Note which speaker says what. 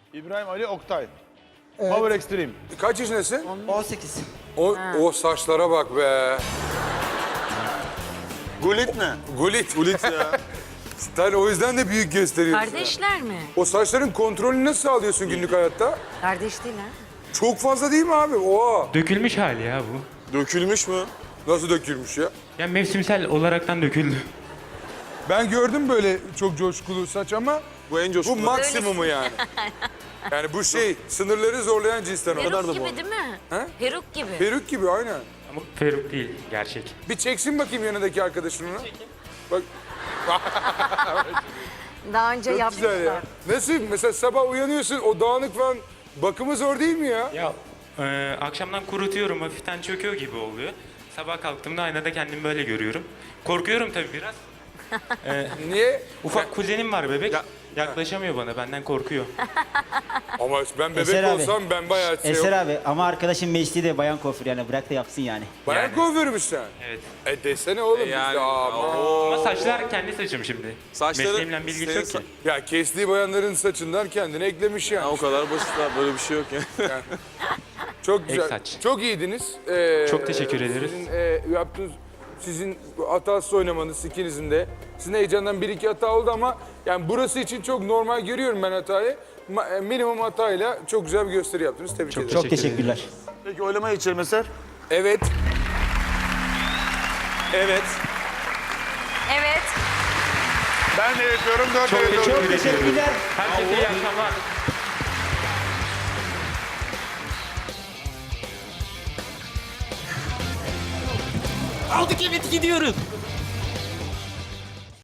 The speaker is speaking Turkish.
Speaker 1: İbrahim Ali Oktay. Power Extreme.
Speaker 2: Kaç yaşındasın?
Speaker 3: 18.
Speaker 2: O saçlara bak be.
Speaker 4: Gulit ne?
Speaker 2: Gulit.
Speaker 4: Gulit ya.
Speaker 2: Sen o yüzden de büyük gösteriyorsun.
Speaker 5: Kardeşler mi?
Speaker 2: O saçların kontrolünü nasıl sağlıyorsun günlük hayatta?
Speaker 5: Kardeş değil ha.
Speaker 2: Çok fazla değil mi abi? Oha.
Speaker 6: Dökülmüş hali ya bu.
Speaker 4: Dökülmüş mü?
Speaker 2: Nasıl dökülmüş ya?
Speaker 6: Ya mevsimsel olaraktan döküldü.
Speaker 2: Ben gördüm böyle çok coşkulu saç ama
Speaker 4: Bu en
Speaker 2: bu
Speaker 4: coşkulu.
Speaker 2: maksimumu yani. Yani bu sınırları zorlayan cinsten o.
Speaker 5: Peruk gibi değil mi?
Speaker 2: He?
Speaker 5: Peruk gibi.
Speaker 2: Peruk gibi aynen.
Speaker 6: Ama peruk değil, gerçek.
Speaker 2: Bir çeksin bakayım yanındaki arkadaşını. Bak
Speaker 5: Daha önce
Speaker 2: çok güzel ya.
Speaker 5: yapmışlar.
Speaker 2: Nasıl? Mesela sabah uyanıyorsun o dağınık falan bakımı zor değil mi ya?
Speaker 6: Ya akşamdan kurutuyorum, hafiften çöküyor gibi oluyor. Sabah kalktığımda aynada kendimi böyle görüyorum. Korkuyorum tabii biraz.
Speaker 2: Niye?
Speaker 6: Ufak kuzenim var bebek.
Speaker 4: Ya-
Speaker 6: Yaklaşamıyor bana, benden korkuyor.
Speaker 2: Ama ben bebek
Speaker 3: Eser abi.
Speaker 2: olsam ben bayağı
Speaker 3: Eser abi ama arkadaşın mesleği de bayan kuaför yani bırak da yapsın yani.
Speaker 2: Bayan
Speaker 6: Yani.
Speaker 2: kuaförmüş sen.
Speaker 6: Evet.
Speaker 2: Desene oğlum biz
Speaker 4: Yani,
Speaker 2: de aman.
Speaker 6: Ama saçlar kendi saçım şimdi.
Speaker 4: Saçları-
Speaker 6: Mesleğimle bilgisi
Speaker 4: senin
Speaker 6: yok ki.
Speaker 2: Ya kestiği bayanların saçından kendine eklemiş yani.
Speaker 4: Ya o kadar basit abi, böyle bir şey yok ya.
Speaker 2: Çok güzel.
Speaker 6: saç.
Speaker 2: Çok iyiydiniz.
Speaker 6: Çok teşekkür ederiz.
Speaker 2: Sizin yaptığınız, sizin hatasız oynamanız ikinizin de. Sizin heyecandan bir iki hata oldu ama yani burası için çok normal görüyorum ben hatayı. Minimum hatayla çok güzel bir gösteri yaptınız. Tebrik ederim.
Speaker 3: Çok teşekkürler.
Speaker 1: Peki oylamaya geçelim Eser.
Speaker 2: Evet.
Speaker 4: Evet.
Speaker 5: Evet.
Speaker 1: Ben de yapıyorum. 4
Speaker 6: Çok
Speaker 1: veriyorum.
Speaker 6: teşekkür ederim.
Speaker 3: Teşekkürler.
Speaker 6: Herkese iyi akşamlar.
Speaker 3: Aldık evet gidiyoruz.